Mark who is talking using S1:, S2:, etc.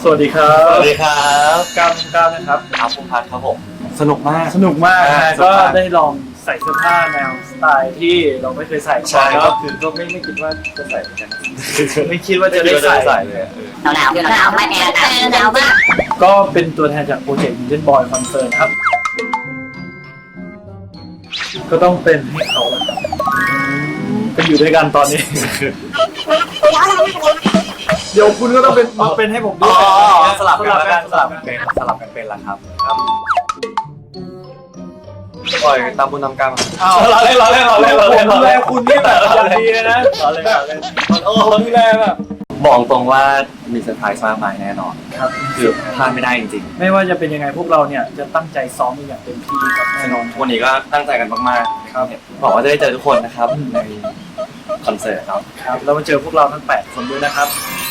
S1: สวัสดีครับ
S2: สวัสดีครับ
S1: ก้าวนะครับ
S2: อาภูมิพัฒน์ครับผมสนุกมาก
S1: สนุกมากนะ
S2: สนุ
S1: ก็
S2: กมาก
S1: ได้ลองใส่เสื้อผ้าแนวสไตล์ที่เราไม่เคยใส่ก่อน
S2: ค
S1: ก็
S2: รับ
S1: คือก็ไม่คิดว่าจะใส่เหมือนกันไม่คิดว่าจะได้ใส่
S2: เลย
S3: หนาวไม่แอร์หนาวมาก
S1: ก็เป็นตัวแทนจากโปรเจกต์ Indian Boy Concert ครับ ก็ต้องเป็นให้เขาแหละครับไปอยู่ด้วยกันตอนนี้ เดี๋ยวคุณก็ต้องเป็นมาเป็นให้ผมด้
S2: อ๋
S1: ว
S2: อย สลับกันแล้วกัน
S1: สลับกัน
S2: สลับกันเป็นละครับปล่อยตามบุญตามกรรม
S1: อ้าวเราเล่นผมดูแลคุณนี่แบบอย่างดีเลยนะเราเล่นโอ้ผมดูแลแบบ
S2: บอกตรงว่ามีเซอร์ไพรส์มากมายแน่นอน
S1: ครับ
S2: คือพลาดไม่ได้จริง
S1: ไม่ว่าจะเป็นยังไงพวกเราเนี่ยจะตั้งใจซ้อมอย่างเต็มที่ครับ
S2: ๆ
S1: แน่นอน
S2: วันนี้ก็ตั้งใจกันมากๆครับบอกว่าจะได้เจอทุกคนนะครับในคอนเสิร์ตครับ
S1: ครับแล้วมาเจอพวกเราทั้ง8คนด้วยนะครับ